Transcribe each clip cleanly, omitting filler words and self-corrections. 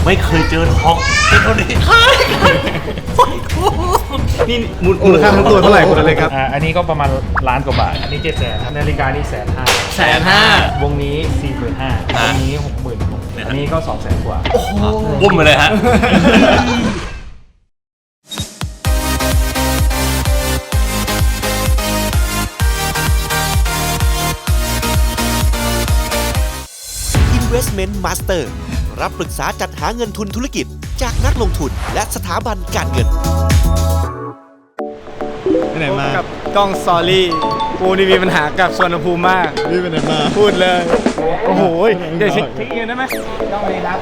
ไม่เคยเจอทองเป็นเท่านี้นี่มูลค่าทั้งตัวเท่าไหร่คุณอะไรครับอันนี้ก็ประมาณล้านกว่าบาท อันนี้700,000ครับนาฬิกานี่150,000 150,000 วงนี้ 45,000 วงนี้ 60,000 อันนี้ก็200,000 กว่าบุ้มไปเลยฮะ Investment Master รับปรึกษาจัดหาเงินทุนธุรกิจจากนักลงทุนและสถาบันการเงินไปไหนมากับกล้องสตอรี่กูนี่มีปัญหากับสวนภูมิมากพี่ไปไหนมาพูดเลยโอ้โหเดี๋ยวเช็คอินได้ไหมกล้องเลยครับ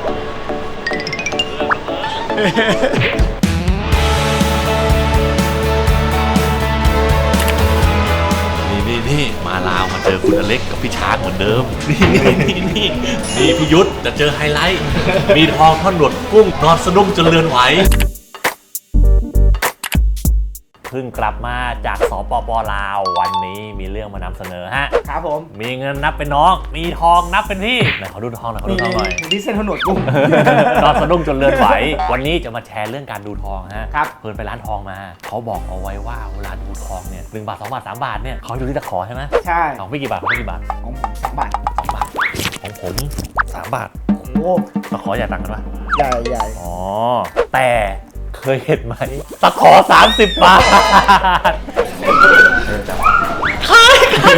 นี่มาลาวมาเจอคุณอเล็กกับพี่ช้างเหมือนเดิมนี่พี่ยุทธจะเจอไฮไลท์มีทองท่อนหนวดกุ้งนอนสะดุ้งจนเลือนไหวเพิ่งกลับมาจากสปป.ลาววันนี้มีเรื่องมานำเสนอฮะครับผมมีเงินนับเป็นน้องมีทองนับเป็นพี่ไหนขอดูทองหน่อยนี่เส้นถนนกุ้งนอนสะดุ้งจนเลือนไหววันนี้จะมาแชร์เรื่องการดูทองฮะครับเพิ่นไปร้านทองมาเขาบอกเอาไว้ว่าเวลาดูทองเนี่ย1 บาท 2 บาท 3 บาทเนี่ยเขาดูที่ตะขอใช่ไหมใช่ของพี่กี่บาทของพี่กี่บาทของผม2 บาท 2 บาทของผม3 บาทโอ้ตะขอใหญ่ต่างกันปะใหญ่อ๋อแต่เคยเห็นไหมตะขอ30 บาททายกัน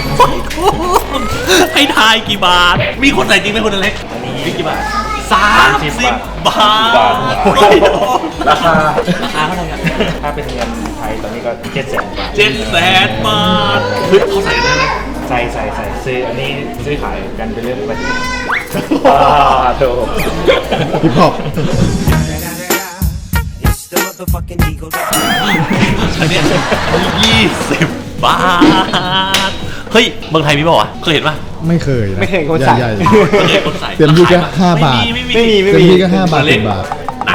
ให้ทายกี่บาทมีคนใส่จริงไหมคนเล็กมีกี่บาท30 บาทราคาเท่าไหร่กันถ้าเป็นเงินไทยตอนนี้ก็700,000 บาท 700,000 บาทเฮ้ยเขาใส่กันได้ไหมใส่ซื้ออันนี้ซื้อขายกันเป็นเรื่องปกติโถฮิปฮอปอันนี้20 บาทเฮ้ยเมืองไทยมีเปล่าวะเคยเห็นปะไม่เคยคนใส่เต็มที่แค่5 บาทไม่มีเต็มที่ก็5 บาท10 บาท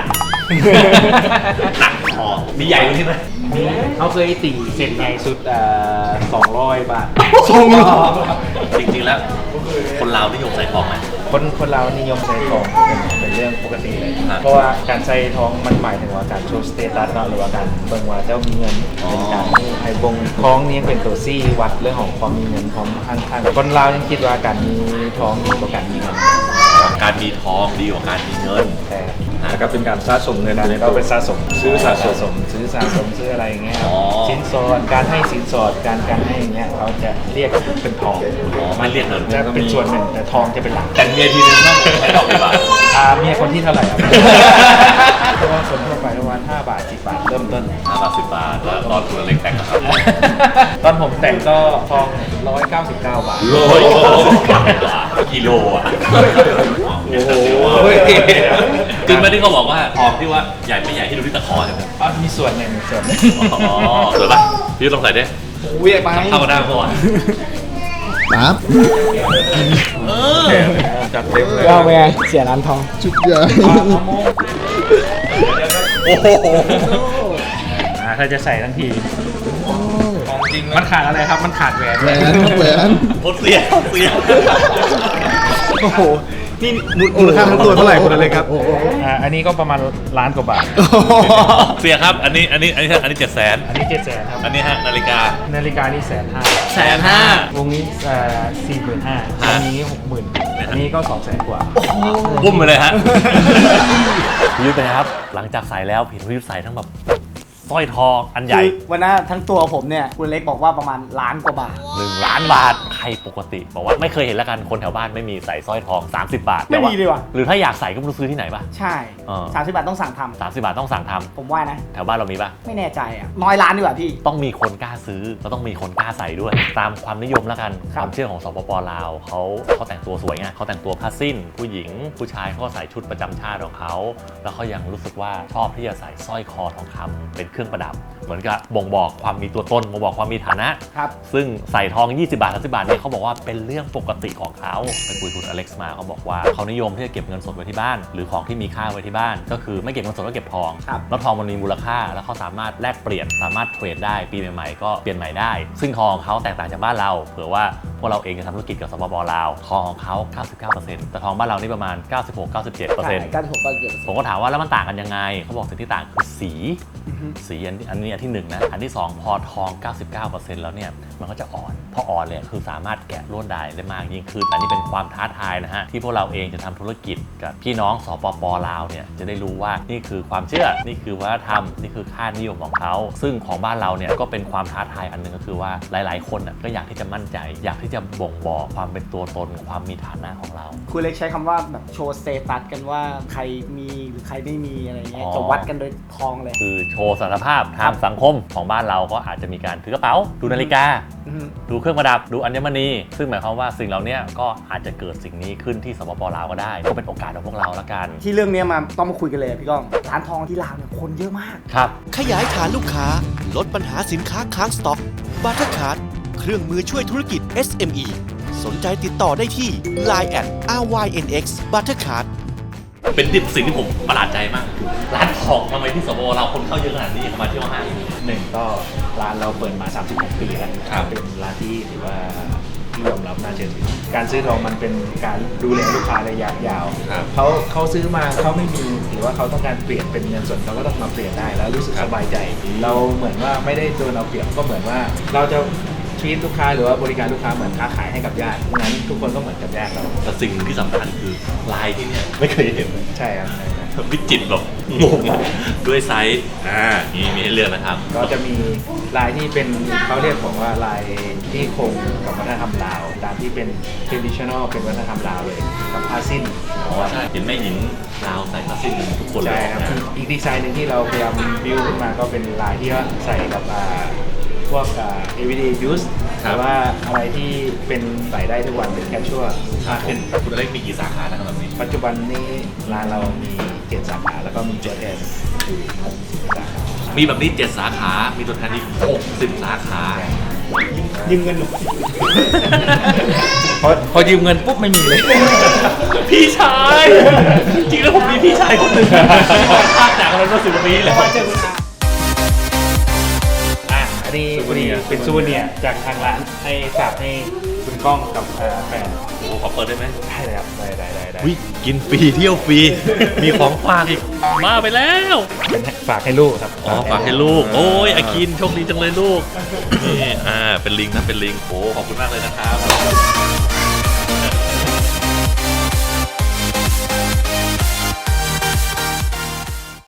หนักพอมีใหญ่กว่านี้ไหมมีเขาเคยตีเซ็นใหญ่สุด200 บาทจริงๆแล้วคนลาวนิยมใส่ทองไหมคนเรานิยมใส่ทองเป็นเรื่องปกติเลยเพราะว่าการใส่ทองมันหมายถึงว่าการโชว์สเตตัสหรือว่าการเบิ่งว่าเจ้ามีเงินเป็นการให้บงทองนี้เป็นตัวซี่วัดเรื่องของความมีเงินของข้างๆคนเรายังคิดว่าการมีทองดีกว่าการมีเงินการมีทองดีกว่าการมีเงินแล้วก็เป็นการสะสมเงินเราเป็นสะสมซื้อซื้ออะไรอย่างเงี้ยสินสอดการให้สินสอดการให้อย่างเงี้ยเขาจะเรียกเป็นทองไม่เรียกเงินจะเป็นส่วนหนึ่งแต่ทองจะเป็นหลักแต่เมียทีนึงต้องใช้ดอกกี่บาทเมียคนที่เท่าไหร่เพราะว่าส่วนทั่วไปประมาณ5 บาท10 บาทเริ่มต้น 5 บาท10 บาทแล้วตอนคุณเล็กแต่งครับตอนผมแต่งก็ทอง199 บาทกิโลอ่ะโอ้โหจริงไหมที่เขาบอกว่าทองที่ว่าใหญ่ไม่ใหญ่ที่ดูที่ตะขอใช่ไหมมีส่วนหนึ่งอ๋อสวยป่ะพี่ลองใส่ดิอุ้ยไปเข้ากันได้เพราะว่าปั๊บจัดเต็มเลยก็ไงเสียร้านทองจุดใหญ่โอ้โหถ้าจะใส่ทั้งทีของจริงมันขาดอะไรครับมันขาดแหวนโคตรเสียโอ้โหนี่มูลค่าทั้งตัวเท่าไหร่คุณอะไรครับอันนี้ก็ประมาณล้านกว่าบาทเสียครับอันนี้700,000 อันนี้700,000ครับอันนี้ฮะนาฬิกานี่ 150,000 วงนี้45,000อันนี้60,000อันนี้ก็200,000 กว่าบุ้มไปเลยฮะพี่ยุทธนะครับหลังจากใส่แล้วพี่ยุทธใส่ทั้งแบบสร้อยทองอันใหญ่วันนั้นทั้งตัวผมเนี่ยคุณเล็กบอกว่าประมาณล้านกว่าบาท 1 ล้านบาทใครปกติบอกว่าไม่เคยเห็นแล้วกันคนแถวบ้านไม่มีใส่สร้อยทอง30 บาทไม่มีเลยว่ะหรือถ้าอยากใส่ก็ไม่รู้ซื้อที่ไหนป่ะใช่30 บาทต้องสั่งทำ 30 บาทต้องสั่งทำผมว่านะแถวบ้านเรามีป่ะไม่แน่ใจอ่ะน้อยล้านดีกว่าพี่ต้องมีคนกล้าซื้อแล้วต้องมีคนกล้าใส่ด้วยตามความนิยมแล้วกันความเชื่อของสปป.ลาวเขาแต่งตัวสวยไงเขาแต่งตัวผ้าสิ้นผู้หญิงผู้ชายเขาใส่ชุดประจำชาติของเขาแล้วเขายังรู้สึกว่าชอบที่จะใส่สร้อยคอทองคำเป็นเครื่องประดับเหมือนกับบ่งบอกความมีตัวตนบ่งบอกความมีฐานะครับซึ่งใส่ทอง20 บาท30 บาทเนี่ยเขาบอกว่าเป็นเรื่องปกติของเขาไปคุยคุณอเล็กซ์มาเขาบอกว่าเขานิยมที่จะเก็บเงินสดไว้ที่บ้านหรือของที่มีค่าไว้ที่บ้านก็คือไม่เก็บเงินสดก็เก็บทองแล้วทองมันมีมูลค่าแล้วเขาสามารถแลกเปลี่ยนสามารถเทรดได้ปีใหม่ๆก็เปลี่ยนใหม่ได้ซึ่งทองเขาแตกต่างจากบ้านเราเผื่อว่าพวกเราเองจะทำธุรกิจกับสปป.ลาวทองของเขา 99% แต่ทองบ้านเรานี่ประมาณ 96-97% ผมก็ถามว่าแล้วมันต่างกันยังไงเขาบอกสิ่งที่ต่างคือสีอันนี้อันที่1นะอันที่2พอทอง 99% แล้วเนี่ยมันก็จะอ่อนพออ่อนเนี่ยคือสามารถแกะลวดลายได้มากยิ่งขึ้นอันนี้เป็นความท้าทายนะฮะที่พวกเราเองจะทำธุรกิจกับพี่น้องสปป.ลาวเนี่ยจะได้รู้ว่านี่คือความเชื่อนี่คือวัฒนธรรมนี่คือค่านิยมของเขาซึ่งของบ้านเราเนี่ยก็เป็นความท้าทายอันนึงก็คือว่าหลายๆคนน่ะก็อยากที่จะมั่นใจอยากที่จะบ่งบอกความเป็นตัวตนความมีฐานะของเราคุณเล็กใช้คำว่าแบบโชว์สเตตัสกันว่าใครมีหรือใครไม่มีอะไรเงี้ยจะวัดกันโดยทองเลยคือโชว์สถานภาพทางสังคมของบ้านเราก็อาจจะมีการถือกระเป๋าดูนาฬิกา ดูเครื่องประดับดูอัญมณีซึ่งหมายความว่าสิ่งเหล่านี้ก็อาจจะเกิดสิ่งนี้ขึ้นที่สปป.ลาวก็ได้ก็เป็นโอกาสของพวกเราละกันที่เรื่องนี้มาต้องมาคุยกันเลยพี่ก้องร้านทองที่ลาวเนี่ยคนเยอะมากครับขยายฐานลูกค้าลดปัญหาสินค้าค้างสต็อกบัตเตอร์คาร์ดเครื่องมือช่วยธุรกิจ SME สนใจติดต่อได้ที่ Line @RYNX Buttercard เป็นสิ่งที่ผมประหลาดใจมากคือร้านทองทำไมที่สปป.ลาวคนเข้าเยอะขนาดนี้มาเที่ยวห้าง 1ก็ร้านเราเปิดมา36ปีแล้วครับเป็นร้านที่ถือว่าที่ยอมรับน่าเชื่อถือการซื้อทองมันเป็นการดูแลลูกค้าระยะยาวครับเขาซื้อมาเขาไม่มีหรือว่าเขาต้องการเปลี่ยนเป็นเงินสดเขาก็ต้องมาเปลี่ยนได้แล้วรู้สึกสบายใจ เราเหมือนว่าไม่ได้โดนเอาเปรียบก็เหมือนว่าเราจะชีวิตลูกค้าหรือว่าบริการลูกค้าเหมือนค้าขายให้กับญาติงั้นทุกคนก็เหมือนกับญาติเราแต่สิ่งที่สำคัญคือลายที่เนี่ยไม่เคยเห็นใช่ครับใช่ครับวิจิตรแบบงงอะด้วยไซส์นี่มีให้เลือกนะครับก็จะมีลายที่เป็นเขาเรียกผมว่าลายที่คงกับวัฒนธรรมลาวตามที่เป็น traditional เป็นวัฒนธรรมลาวเลยกับผ้าสิ้นอ๋อใช่เห็นแม่หญิงลาวใส่ผ้าสิ้นทุกคนเลใช่ยครับนะอีกดีไซน์หนึ่งที่เราพยายามบิวขึ้นมาก็เป็นลายที่ว่าใส่กับพวกeveryday use หรือว่าอะไรที่เป็นใส่ได้ทุกวันเป็น casual มากขึ้นคุณอเล็กมีกี่สาขานะครับแบบนี้ปัจจุบันนี้ร้านเรามี 7 สาขาแล้วก็มีตัวแทนอยู่60 สาขามีแบบนี้ 7 สาขา มีตัวแทนอีก60 สาขายืมเงินหนูพอยืมเงินปุ๊บไม่มีเลยพี่ชาย จริงๆแล้วผมมีพี่ชายคนหนึ่งภาคจากนั้นมา10 ปีแล้วอันนี้พอดีเป็นซูเวเนียร์จากทางร้านให้ฝากให้คุณก้องกับแฟนโอ้ขอเปิดได้ไหมได้เลยครับได้วิกินฟรีเที่ยวฟรี มีของฝากอีก มาไปแล้วเป็นฝากให้ลูกครับอ๋อฝากให้ลูก โอ้ยอากินโชคดีจังเลยลูก นี่เป็นลิงนะเป็นลิงโอ้ขอบคุณมากเลยนะครับ